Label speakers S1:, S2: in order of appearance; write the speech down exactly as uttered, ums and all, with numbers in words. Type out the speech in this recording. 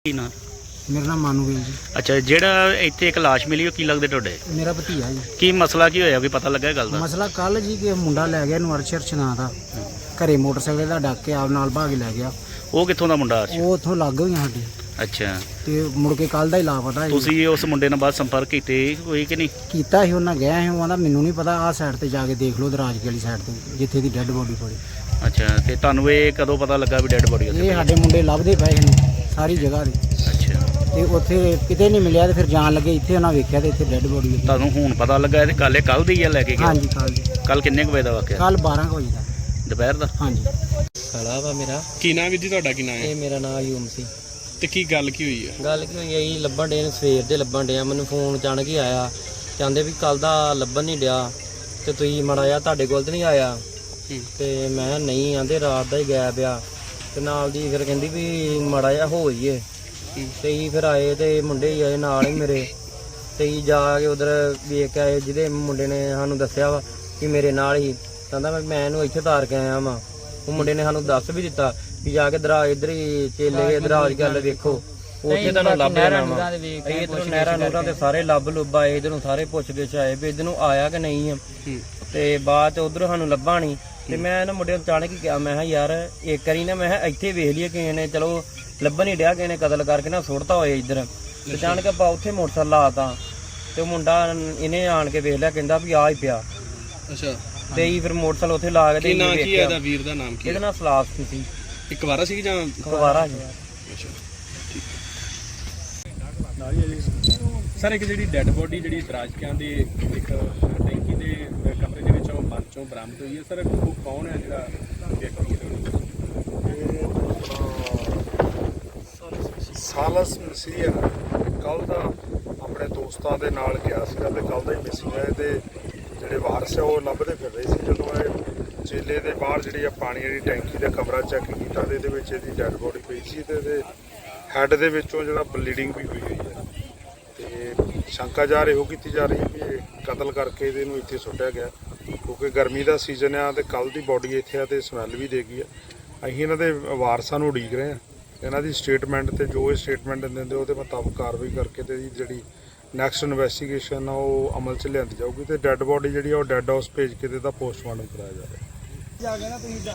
S1: ਕੀ ਨਾਂ?
S2: मेरा नाम मानूवीर जी।
S1: ਅੱਛਾ, ਜਿਹੜਾ ਇੱਥੇ ਇੱਕ ਲਾਸ਼ ਮਿਲੀ ਉਹ ਕੀ ਲੱਗਦੇ ਤੁਹਾਡੇ?
S2: मेरा भतीजा जी।
S1: ਕੀ ਮਸਲਾ ਕੀ ਹੋਇਆ, ਕੋਈ ਪਤਾ ਲੱਗਾ ਇਹ ਗੱਲ ਦਾ?
S2: ਮਸਲਾ ਕੱਲ ਜੀ ਕਿ ਮੁੰਡਾ ਲੈ ਗਿਆ ਨੂੰ ਅਰਸ਼ਰ ਨਾਂ ਦਾ, ਘਰੇ ਮੋਟਰਸਾਈਕਲ ਦਾ ਡੱਕ ਕੇ ਆਪ ਨਾਲ ਭਾਗ ਲੈ ਗਿਆ।
S1: ਉਹ ਕਿੱਥੋਂ ਦਾ ਮੁੰਡਾ?
S2: ਉਹ ਉੱਥੋਂ ਲੱਗ ਗਈਆਂ ਸਾਡੇ
S1: ਅੱਛਾ,
S2: ਤੇ ਮੁੜ ਕੇ ਕੱਲ ਦਾ ਹੀ ਲਾਪਤਾ ਸੀ।
S1: ਤੁਸੀਂ ਉਸ ਮੁੰਡੇ ਨਾਲ ਬਾਅਦ ਸੰਪਰਕ ਕੀਤੇ ਹੋਈ ਕਿ ਨਹੀਂ?
S2: ਕੀਤਾ ਸੀ, ਉਹਨਾਂ ਗਿਆ ਸੀ, ਉਹ ਕਹਿੰਦਾ ਮੈਨੂੰ ਨਹੀਂ ਪਤਾ, ਆਹ ਸਾਈਡ ਤੇ ਜਾ ਕੇ ਦੇਖ ਲਓ, ਦਰਾਜਕੇ ਵਾਲੀ ਸਾਈਡ ਤੇ ਜਿੱਥੇ ਦੀ ਡੈੱਡ ਬੋਡੀ ਪਈ।
S1: ਅੱਛਾ, ਤੇ ਤੁਹਾਨੂੰ ਇਹ ਕਦੋਂ ਪਤਾ ਲੱਗਾ ਵੀ ਡੈੱਡ ਬੋਡੀ ਉੱਥੇ?
S2: ਇਹ ਸਾਡੇ ਮੁੰਡੇ ਲੱਭਦੇ ਪਏ ਨੇ ਸਾਰੀ ਜਗ੍ਹਾ ਤੇ,
S1: ਅੱਛਾ,
S2: ਤੇ ਉੱਥੇ ਕਿਤੇ ਨਹੀਂ ਮਿਲਿਆ, ਤੇ ਫਿਰ ਜਾਣ ਲੱਗੇ ਇੱਥੇ ਉਹਨਾਂ ਵੇਖਿਆ ਤੇ ਇੱਥੇ ਡੈੱਡ ਬੋਡੀ।
S1: ਤੁਹਾਨੂੰ ਹੁਣ ਪਤਾ ਲੱਗਾ ਇਹ ਕੱਲ ਕੱਲ ਦੀ ਆ ਲੈ ਕੇ ਗਿਆ?
S2: ਹਾਂਜੀ, ਕੱਲ ਜੀ।
S1: ਕੱਲ ਕਿੰਨੇ ਕੁ ਵਜੇ ਦਾ ਵਾਕਿਆ?
S2: ਕੱਲ ਬਾਰਾਂ ਕੁ ਵਜੇ ਦਾ
S1: ਦੁਪਹਿਰ ਦਾ?
S2: ਹਾਂਜੀ।
S3: ਕਾਲਾ ਵਾ ਮੇਰਾ।
S4: ਕੀ ਨਾਮ ਵੀਰ ਜੀ ਤੁਹਾਡਾ? ਕੀ ਨਾਮ ਹੈ?
S3: ਇਹ ਮੇਰਾ ਨਾਮ ਅਯੂਮ ਸੀ।
S4: ਤੇ ਕੀ ਗੱਲ ਕੀ ਹੋਈ ਹੈ?
S3: ਗੱਲ ਕੀ ਹੋਈ ਹੈ ਜੀ, ਲੱਭਣ ਡੇ ਨੇ, ਸਵੇਰ ਦੇ ਲੱਭਣ ਡਿਆ। ਮੈਨੂੰ ਫੋਨ ਅਚਾਨਕ ਹੀ ਆਇਆ, ਕਹਿੰਦੇ ਵੀ ਕੱਲ ਦਾ ਲੱਭਣ ਨਹੀਂ ਡਿਆ ਤੇ ਤੁਸੀਂ ਮਾੜਾ ਜਿਹਾ ਤੁਹਾਡੇ ਕੋਲ ਤੇ ਨਹੀਂ ਆਇਆ। ਤੇ ਮੈਂ ਨਹੀਂ, ਆਂਦੇ ਰਾਤ ਦਾ ਹੀ ਗਾਇਬ ਆ। ਤੇ ਨਾਲ ਦੀ ਫਿਰ ਕਹਿੰਦੀ ਵੀ ਮਾੜਾ ਜਿਹਾ ਹੋ ਜਾਈਏ। ਤੇ ਹੀ ਫਿਰ ਆਏ ਤੇ ਮੁੰਡੇ ਹੀ ਆਏ ਨਾਲ ਹੀ ਮੇਰੇ, ਤੇ ਹੀ ਜਾ ਕੇ ਉਧਰ ਵੇਖ ਕੇ ਆਏ। ਜਿਹਦੇ ਮੁੰਡੇ ਨੇ ਸਾਨੂੰ ਦੱਸਿਆ ਵਾ ਕਿ ਮੇਰੇ ਨਾਲ ਹੀ, ਕਹਿੰਦਾ ਮੈਂ ਇਹਨੂੰ ਇੱਥੇ ਤਾਰ ਕੇ ਆਇਆ ਵਾਂ। ਉਹ ਮੁੰਡੇ ਨੇ ਸਾਨੂੰ ਦੱਸ ਵੀ ਦਿੱਤਾ ਵੀ ਜਾ ਕੇ ਦਰਾਜ ਇੱਧਰ ਹੀ ਚੇਲੇ ਦਰਾਜ ਗੱਲ ਵੇਖੋ, ਉੱਥੇ ਤੁਹਾਨੂੰ ਲੱਭ ਜਾਣਾ ਵਾ। ਇਧਰੋਂ ਨਹਿਰਾਂ ਨੂਰਾਂ ਤੇ ਸਾਰੇ ਲੱਭ ਲੁੱਭ ਆਏ, ਇਧਰੋਂ ਸਾਰੇ ਪੁੱਛ ਗਿੱਛ ਆਏ ਵੀ ਇਧਰ ਨੂੰ ਆਇਆ ਕਿ ਨਹੀਂ ਆ। ਤੇ ਬਾਅਦ ਚ ਉਧਰ ਸਾਨੂੰ ਲੱਭਾ ਨਹੀਂ। ਤੇ ਮੈਂ ਇਹਨਾਂ ਮੁੰਡੇ ਨੂੰ ਅਚਾਨਕ ਹੀ ਕਿਹਾ, ਮੈਂ ਕਿਹਾ ਯਾਰ ਇੱਕ ਵਾਰੀ ਨਾ, ਮੈਂ ਕਿਹਾ ਇੱਥੇ ਵੇਖ ਲਈਏ ਕਿਸੇ ਨੇ, ਚਲੋ ਲੱਭਣ ਹੀ ਡਿਆ, ਕਿਸੇ ਨੇ ਕਤਲ ਕਰਕੇ ਨਾ ਸੁੱਟਤਾ ਹੋਏ ਇੱਧਰ। ਤੇ ਅਚਾਨਕ ਆਪਾਂ ਉੱਥੇ ਮੋਟਰਸਾਈਕਲ ਲਾਤਾ, ਤੇ ਉਹ ਮੁੰਡਾ ਇਹਨੇ ਆਣ ਕੇ ਵੇਖ ਲਿਆ, ਕਹਿੰਦਾ ਵੀ ਆ ਹੀ ਪਿਆ।
S4: ਅੱਛਾ,
S3: ਤੇ ਹੀ ਫਿਰ ਮੋਟਰਸਾਈਕਲ ਉੱਥੇ ਲਾ ਕੇ
S4: ਕੀ ਨਾਂ ਕੀ ਹੈ ਇਹਦਾ? ਵੀਰ ਦਾ ਨਾਮ ਕੀ
S3: ਇਹਦਾ
S4: ਹੈ?
S3: ਨਾਮ ਸਲਾਸ ਸੀ।
S4: ਇੱਕ ਵਾਰਾ ਸੀ ਜਾਂ
S3: ਕੁਵਾਰਾ ਜੀ।
S4: ਅੱਛਾ, ਸਰ ਇੱਕ ਜਿਹੜੀ ਡੈੱਡ ਬੋਡੀ ਜਿਹੜੀ ਦਰਾਜਕਿਆਂ ਦੇ ਇੱਕ ਟੈਂਕੀ ਦੇ ਕਮਰੇ ਦੇ ਵਿੱਚੋਂ ਬੰਦ ਚੋਂ ਬਰਾਮਦ ਹੋਈ ਹੈ, ਸਰ ਉਹ ਕੌਣ ਹੈ ਜਿਹੜਾ ਵਿਅਕਤੀ ਹੈ?
S5: ਸਾਲਸ ਮਸੀਹ ਕੱਲ ਦਾ ਆਪਣੇ ਦੋਸਤਾਂ ਦੇ ਨਾਲ ਗਿਆ ਸੀਗਾ ਤੇ ਕੱਲ ਦਾ ਹੀ ਮਿਸਿੰਗ ਹੈ। ਤੇ ਜਿਹੜੇ ਵਾਰਸ ਹੈ ਉਹ ਲੱਭਦੇ ਫਿਰ ਰਹੇ ਸੀ। ਜਦੋਂ ਇਹ ਚੇਲੇ ਦੇ ਬਾਹਰ ਜਿਹੜੀ ਆ ਪਾਣੀ ਵਾਲੀ ਟੈਂਕੀ ਦਾ ਕਮਰਾ ਚੈੱਕ ਕੀਤਾ ਤੇ ਇਹਦੇ ਵਿੱਚ ਇਹਦੀ ਡੈੱਡ ਬੋਡੀ ਪਈ ਸੀ, ਤੇ ਇਹਦੇ ਹੈੱਡ ਦੇ ਵਿੱਚੋਂ ਜਿਹੜਾ ਬਲੀਡਿੰਗ ਵੀ ਹੋਈ ਹੋਈ ਹੈ। ਤੇ ਸ਼ੰਕਾ ਜਾ ਰਹੀ ਹੋ ਕੀਤੀ ਜਾ ਰਹੀ ਹੈ ਵੀ ਇਹ ਕਤਲ ਕਰਕੇ ਇਹਨੂੰ ਇੱਥੇ ਸੁੱਟਿਆ ਗਿਆ, ਕਿਉਂਕਿ ਗਰਮੀ ਦਾ ਸੀਜ਼ਨ ਆ ਤੇ ਕੱਲ ਦੀ ਬੋਡੀ ਇੱਥੇ ਆ ਤੇ ਸਮੈਲ ਵੀ ਦੇ ਗਈ ਆ। ਅਸੀਂ ਇਹਨਾਂ ਦੇ ਵਾਰਸਾਂ ਨੂੰ ਉਡੀਕ ਰਹੇ ਹਾਂ, ਇਹਨਾਂ ਦੀ ਸਟੇਟਮੈਂਟ ਤੇ ਜੋ ਇਹ ਸਟੇਟਮੈਂਟ ਦਿੰਦੇ ਉਹਦੇ ਮੁਤਾਬਕ ਕਾਰਵਾਈ ਕਰਕੇ ਤੇ ਜਿਹੜੀ ਨੈਕਸਟ ਇਨਵੈਸਟੀਗੇਸ਼ਨ ਆ ਉਹ ਅਮਲ 'ਚ ਲਿਆਂਦੀ ਜਾਊਗੀ। ਤੇ ਡੈੱਡ ਬੋਡੀ ਜਿਹੜੀ ਆ ਉਹ ਡੈੱਡ ਹਾਊਸ ਭੇਜ ਕੇ ਤੇ ਇਹਦਾ ਪੋਸਟਮਾਰਟਮ ਕਰਾਇਆ ਜਾਵੇਗਾ।